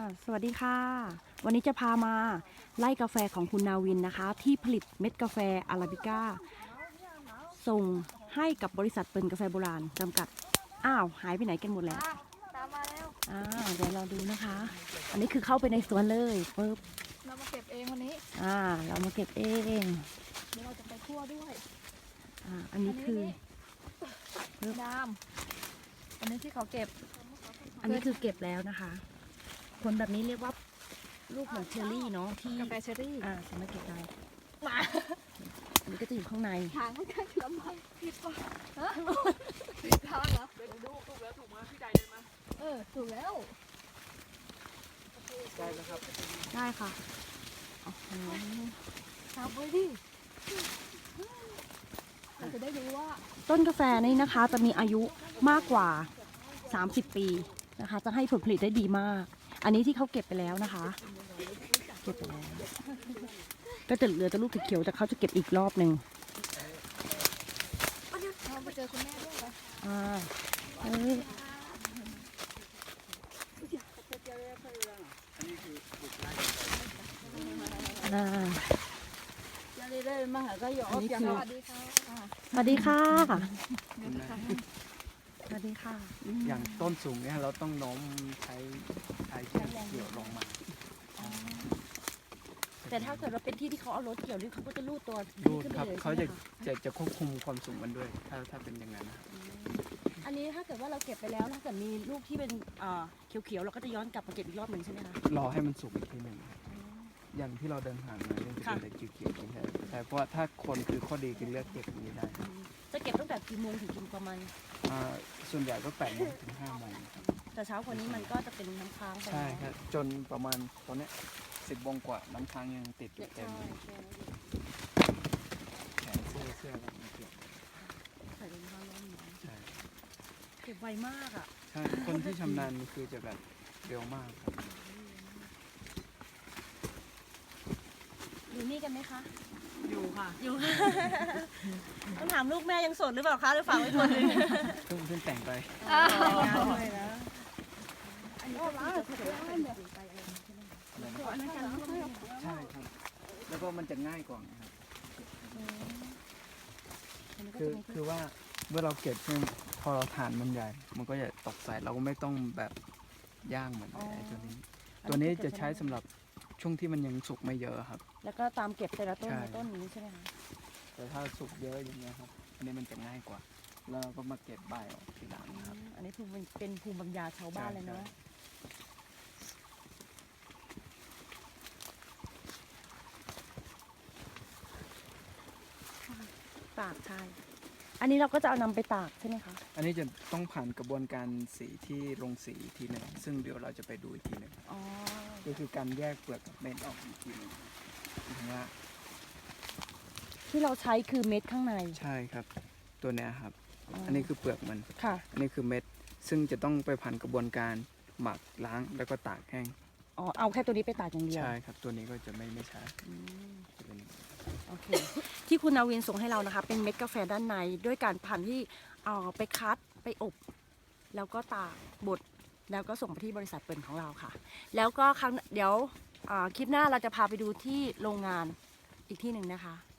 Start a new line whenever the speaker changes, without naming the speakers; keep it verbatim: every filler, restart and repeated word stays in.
สวัสดีค่ะวันนี้จะพามาไล่กาแฟของคุณนาวินนะคะที่ผลิตเม็ดกาแฟอาราบิก้าส่งให้กับบริษัทเปิ่นกาแฟโบราณจำกัดอ้าวหายไปไหนกันหมดแล้ว
ตามมาแล้ว
อ่าเดี๋ยวเราดูนะคะ อันนี้คือเข้าไปในสวนเลยปึ๊บ
เรามาเก็บเองวันนี้
อ่าเรามาเก็บเอง
เดี๋ยวเราจะไปคั่วด้วย
อ่าอันนี้คือ
น้ำอันนี้ที่เขาเก็บ
อันนี้คือเก็บแล้วนะคะผลแบบนี้เรียกว่าลูกเหมือนเชอร์รี่เนาะที่
กาแฟเชอร์รี่
อ่าสามารถเก็บได้
มา
อันนี้ก็จะอยู่ข้างใน
ทางไม่ใช่ลำบากผิดป่ะฮะผิดทางเหรอเดี๋ยวดูถูกแล้วถูกมาพี่ใจเดินมาเออถูกแล้ว
ได้แล้วครับได้ค่ะ
ทำไปดิเราจะได้รู้ว่า
ต้นกาแฟนี่นะคะจะมีอายุมากกว่าสามสิบปีนะคะจะให้ผลผลิตได้ดีมากอันนี้ที่เขาเก็บไปแล้วนะคะเก็บไปแล้วก็จะเหลือแต่ลูกเขียวแต่เขาจะเก็บอีกรอบหนึ่ง
เราไปเจอคุณแม่ด้วยป่ะ
อ่าเฮ้ยอ่า
ได้มาหาก็ยอมอย่างสวัสดีค่ะ
สวัสดีค่ะสวัสดีค่ะ
อย่างต้นสูงเนี่ยเราต้องโน้มใช้ใช้เกี่ยวลงมา
แต่ถ้าเกิดเราเป็นที่ที่เขาเอารถเกี่ยวนี่เขาก็จะลูดตัว
ลูดครับเขาจะจะจะควบคุมความสูงมันด้วยถ้าถ้าเป็นอย่างนั้น
อันนี้ถ้าเกิดว่าเราเก็บไปแล้วถ้าเกิดมีลูกที่เป็นเขียวๆเราก็จะย้อนกลับมาเก็บอีกรอบหนึ่งใช่ไหมคะ
รอให้มันสุกอีกทีหนึ่งอย่างที่เราเดินผ่านมาเนี่ยจะเป็นแต่เขียวๆใช่แต่เพราะว่าถ้าคนคือข้อดีคือเลือกเก็บอย่างนี้ได้
จะเก็บตั้งแต่กี่โมงถึงกี่ประมาณ
ส่วนใหญ่ก็แปดโมงถึงห้าโมง
แต่เช้ากว่านี้มันก็จะเป็นน้ำค้างไป
ใช่ครับจนประมาณตอนนี้สิบโมงกว่าน้ำค้างยังติดอยู่เต็มเลยแขนเสื้อเสื้ออะไรเก็บ
ใส่รองเท้าล้อมหนอน
ใช่
เก็บไวมากอ่ะ
ใช่คนที่ชำนาญคือจะแบบเร็วมากครับ
อยู่นี่กันไหมคะ
อยู่ค่ะ
อยู่ต้องถามลูกแม่ยังโสดหรือเปล่าคะหรือฝากไว้คนนึง
เพิ่งเพิ่งแต่งไป
งานเลยนะอันนี้ก็จะผสมกันไปอะไรใช่ไหม
ใช่ครับแล้วก็มันจะง่ายกว่าครับคือคือว่าเมื่อเราเก็บเนี่ยพอเราทานมันใหญ่มันก็จะตกใส่เราก็ไม่ต้องแบบย่างเหมือนไอ้ตัวนี้ตัวนี้จะใช้สำหรับช่วงที่มันยังสุกไม่เยอะครับ
แล้วก็ตามเก็บแต่ละต้นต้นนี้ใช่ไหมคะ
แต่ถ้าสุกเยอะอย่างเงี้ยครับอันนี้มันจะง่ายกว่าแล้วก็มาเก็บใบออกทีหลังครับ
อันนี้คือเป็นภูมิปัญญาชาวบ้านเลยเนาะตากใช่อันนี้เราก็จะเอานำไปตากใช่ไหมคะ
อันนี้จะต้องผ่านกระบวนการสีที่ลงสีทีหนึ่งซึ่งเดี๋ยวเราจะไปดูอีกทีหนึ่งก็คือการแยกเปลือกกับเม็ดออกอีกทีหนึ่งว่า
ที่เราใช้คือเม็ดข้างใน
ใช่ครับตัวนี้ครับอันนี้คือเปลือกมัน
ค่ะ
อันนี้คือเม็ดซึ่งจะต้องไปผ่านกระบวนการหมักล้างแล้วก็ตากแห้ง
อ๋อเอาแค่ตัวนี้ไปตากอย่างเดียว
ใช่ครับตัวนี้ก็จะไม่ไม่ใช้
โอเคที่คุณนาวินส่งให้เรานะคะเป็นเม็ดกาแฟด้านในด้วยการผ่านที่เอาไปคัดไปอบแล้วก็ตากบดแล้วก็ส่งไปที่บริษัทเปิ่นของเราค่ะแล้วก็ครั้งเดี๋ยวคลิปหน้าเราจะพาไปดูที่โรงงานอีกที่หนึ่งนะคะ